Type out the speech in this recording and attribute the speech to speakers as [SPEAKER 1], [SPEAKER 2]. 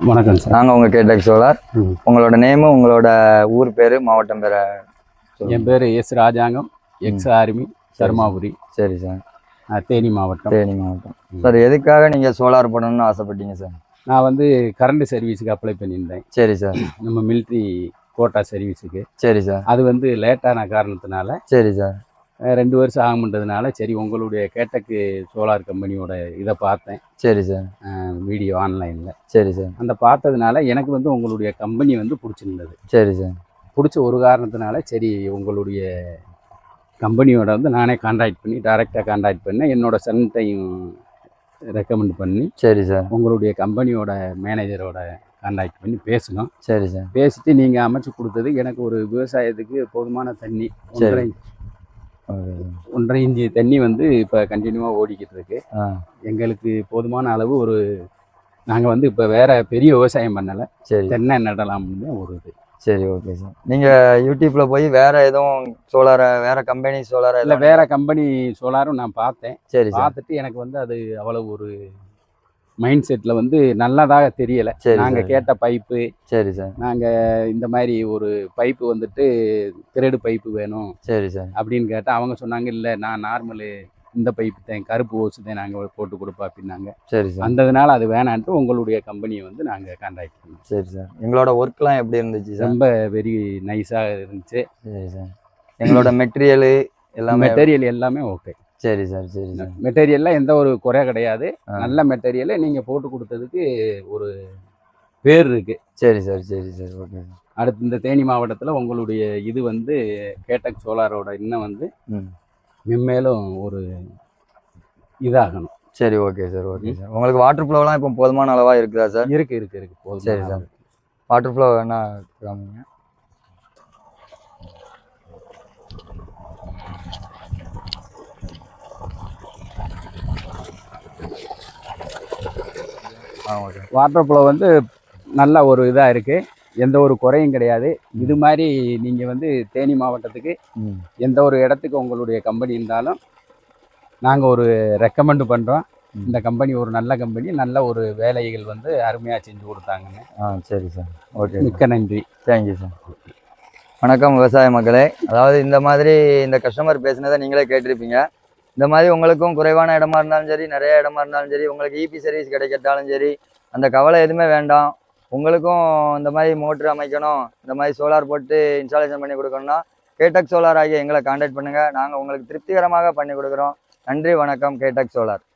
[SPEAKER 1] வணக்கம் சார்.
[SPEAKER 2] நாங்கள் உங்கள் கேட்டக் சோலார். உங்களோட நேமு, உங்களோட ஊர் பேர், மாவட்டம் பேர்?
[SPEAKER 1] என் பேர் S Rajangam, ex army, Dharmapuri.
[SPEAKER 2] சரி சார்.
[SPEAKER 1] தேனி மாவட்டம்.
[SPEAKER 2] தேனி மாவட்டம். சார், எதுக்காக நீங்கள் சோலார் போடணும்னு ஆசைப்பட்டீங்க சார்?
[SPEAKER 1] நான் வந்து கரண்ட் சர்வீஸுக்கு அப்ளை பண்ணியிருந்தேன்.
[SPEAKER 2] சரி சார்.
[SPEAKER 1] நம்ம மிலிட்ரி கோட்டா சர்வீஸுக்கு.
[SPEAKER 2] சரி சார்.
[SPEAKER 1] அது வந்து லேட்டான காரணத்தினால.
[SPEAKER 2] சரி சார்.
[SPEAKER 1] 2 வருஷம் ஆகும்ன்றதுனால சரி உங்களுடைய கேட்டக்கு சோலார் கம்பெனியோட இதை பார்த்தேன்.
[SPEAKER 2] சரி சார்.
[SPEAKER 1] வீடியோ ஆன்லைனில்.
[SPEAKER 2] சரி சார்.
[SPEAKER 1] அந்த பார்த்ததுனால எனக்கு வந்து உங்களுடைய கம்பெனி வந்து பிடிச்சிருந்தது.
[SPEAKER 2] சரி சார்.
[SPEAKER 1] பிடிச்ச ஒரு காரணத்தினால சரி உங்களுடைய கம்பெனியோட வந்து நானே டைரெக்டாக கான்டாக்ட் பண்ணேன். என்னோட சன்ட்டையும் ரெக்கமெண்ட் பண்ணி. சரி சார். உங்களுடைய கம்பெனியோட மேனேஜரோட கான்டாக்ட் பண்ணி பேசணும். சரி சார். பேசிட்டு நீங்கள் அமைச்சு கொடுத்தது எனக்கு ஒரு விவசாயத்துக்கு போதுமான தண்ணி 1.5 இன்ச்சு தண்ணி வந்து இப்போ கண்டினியூவாக ஓடிக்கிட்டு இருக்கு. எங்களுக்கு போதுமான அளவு நாங்கள் வந்து இப்போ வேற பெரிய விவசாயம் பண்ணலை. சரி, தென்னை நடலாம்னு ஒரு இது.
[SPEAKER 2] சரி, ஓகே சார். நீங்கள் யூடியூப்ல போய் வேற எதுவும் சோலாரை, வேற கம்பெனி சோலாரை
[SPEAKER 1] இல்லை வேற கம்பெனி சோலாரும் நான் பார்த்தேன்.
[SPEAKER 2] சரி,
[SPEAKER 1] பார்த்துட்டு எனக்கு வந்து அது அவ்வளவு ஒரு மைண்ட் செட்டில் வந்து நல்லதாக தெரியலை. நாங்கள் கேட்ட பைப்பு. சரி சார். நாங்கள் இந்த மாதிரி ஒரு பைப்பு வந்துட்டு திரடு பைப்பு வேணும். சரி சார் அப்படின்னு கேட்டால் அவங்க சொன்னாங்க, இல்லை நான் நார்மலு இந்த பைப்பு தான், கருப்பு ஓசு தான் நாங்கள் போட்டு கொடுப்போம் அப்படின்னாங்க. சரி சார். அந்ததுனால அது வேணான்ட்டு உங்களுடைய கம்பெனியை வந்து நாங்கள் கான்டாக்ட் பண்ணோம்.
[SPEAKER 2] சரி சார். எங்களோட ஒர்க்லாம் எப்படி இருந்துச்சு சார்?
[SPEAKER 1] ரொம்ப வெரி நைஸாக இருந்துச்சு.
[SPEAKER 2] சரி சார். எங்களோட மெட்டீரியல்
[SPEAKER 1] எல்லாமே ஓகே.
[SPEAKER 2] சரி சார். சரி சார்.
[SPEAKER 1] மெட்டீரியல்லாம் எந்த ஒரு குறை கிடையாது. நல்ல மெட்டீரியலை நீங்கள் போட்டு கொடுத்ததுக்கு ஒரு பேர் இருக்கு.
[SPEAKER 2] சரி சார். சரி சார். Okay sir.
[SPEAKER 1] அடுத்து இந்த தேனி மாவட்டத்தில் உங்களுடைய இது வந்து கேட்டக் சோலாரோட இன்னும் வந்து மென்மேலும் ஒரு இதாகணும்.
[SPEAKER 2] சரி, ஓகே சார். Okay sir. உங்களுக்கு வாட்டர் ஃப்ளோலாம் இப்போ போதுமான அளவாக இருக்குதா சார்?
[SPEAKER 1] இருக்கு போதும்.
[SPEAKER 2] சரி சார். வாட்டர் ஃப்ளோ வேணா காமிங்க.
[SPEAKER 1] வாட்டர் ஃப்ளோ வந்து நல்ல ஒரு இதாக இருக்குது. எந்த ஒரு குறையும் கிடையாது. இது மாதிரி நீங்கள் வந்து தேனி மாவட்டத்துக்கு எந்த ஒரு இடத்துக்கு உங்களுடைய கம்பெனி இருந்தாலும் நாங்கள் ஒரு ரெக்கமெண்ட் பண்ணுறோம். இந்த கம்பெனி ஒரு நல்ல கம்பெனி, நல்ல ஒரு வேலைகள் வந்து அருமையாக செஞ்சு கொடுத்தாங்கன்னு.
[SPEAKER 2] சரி சார். ஓகே,
[SPEAKER 1] மிக்க நன்றி.
[SPEAKER 2] Thank you sir. வணக்கம் விவசாய மக்களே. அதாவது இந்த மாதிரி இந்த கஸ்டமர் பேசுனதை நீங்களே கேட்டிருப்பீங்க. இந்த மாதிரி உங்களுக்கும் குறைவான இடமா இருந்தாலும் சரி, நிறைய இடமா இருந்தாலும் சரி, உங்களுக்கு இபி சர்வீஸ் கிடைக்கட்டாலும் சரி, அந்த கவலை எதுவுமே வேண்டாம். உங்களுக்கும் இந்த மாதிரி மோட்ரு அமைக்கணும், இந்த மாதிரி சோலார் போட்டு இன்ஸ்டாலேஷன் பண்ணி கொடுக்கணும்னா கேட்டக் சோலார் ஆகிய எங்களை கான்டாக்ட் பண்ணுங்கள். நாங்கள் உங்களுக்கு திருப்திகரமாக பண்ணி கொடுக்குறோம். நன்றி, வணக்கம். கேட்டக் சோலார்.